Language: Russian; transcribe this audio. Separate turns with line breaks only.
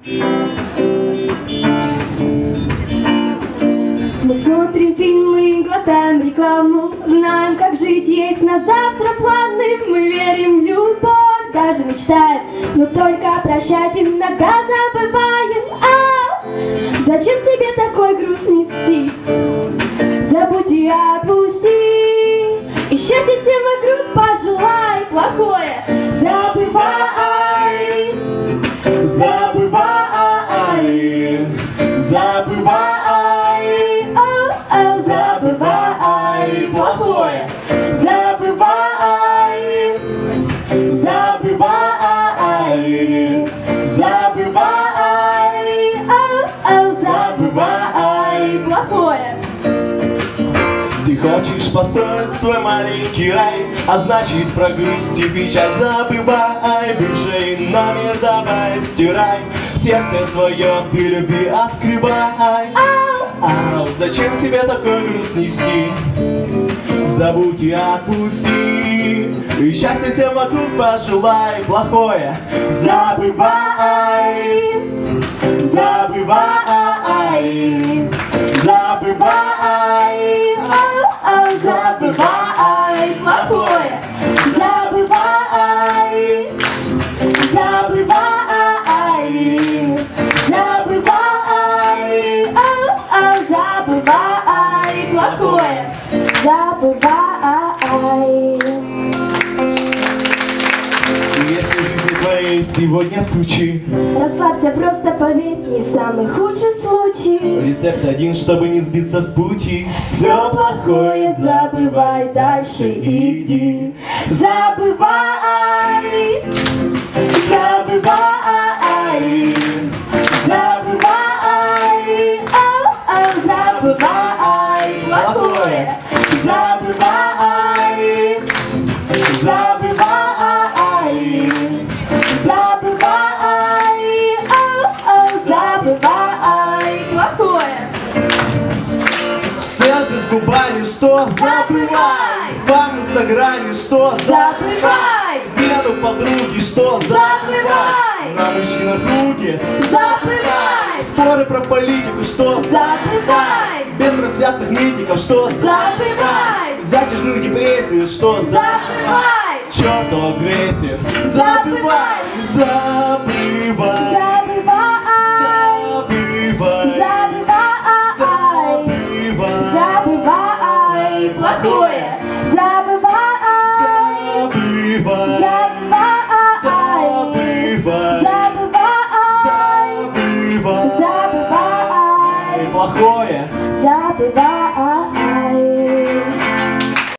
Мы смотрим фильмы, глотаем рекламу, знаем, как жить, есть на завтра планы. Мы верим в любовь, даже мечтаем, но только прощать иногда забываем. Зачем себе такой груз нести? Забудь и отпусти, и счастье всем вокруг пожелай. Плохое забывай,
забывай, забывай, забывай, плохое забывай, забывай, забывай, забывай,
плохое.
Ты хочешь построить свой маленький рай, а значит про грусть и печаль забывай. Бывший номер давай стирай, сердце свое ты люби открывай. Зачем себе такой груз нести? Забудь и отпусти, и счастье всем вокруг пожелай. Плохое забывай, забывай, забывай,
Забывай, плохое забывай, забывай, забывай, забывай, плохое забывай.
Если в жизни твоей сегодня тучи,
Расслабься, просто поверь, не самый худший случай.
рецепт один, чтобы не сбиться с пути.
Все плохое забывай, дальше иди. Забывай, забывай, забывай, забывай, плохое забывай, забывай, забывай, забывай, плохое.
Селфи с губами, что забывай. Спам в инстаграме, что
Забывай,
взгляд у подруги, что
забывай,
на мужчинах руки.
забывай,
Споры про политику, что
забывай,
без профессиональных нытиков, что
забывай,
затяжную депрессию, что
забывай,
черту агрессию.
Забывай.
Забывай,
забывай,
забывай,
забывай, забывай, плохое забывай,
забывай,
забывай, забывай,
забывай,
забывай,
плохое
забывай.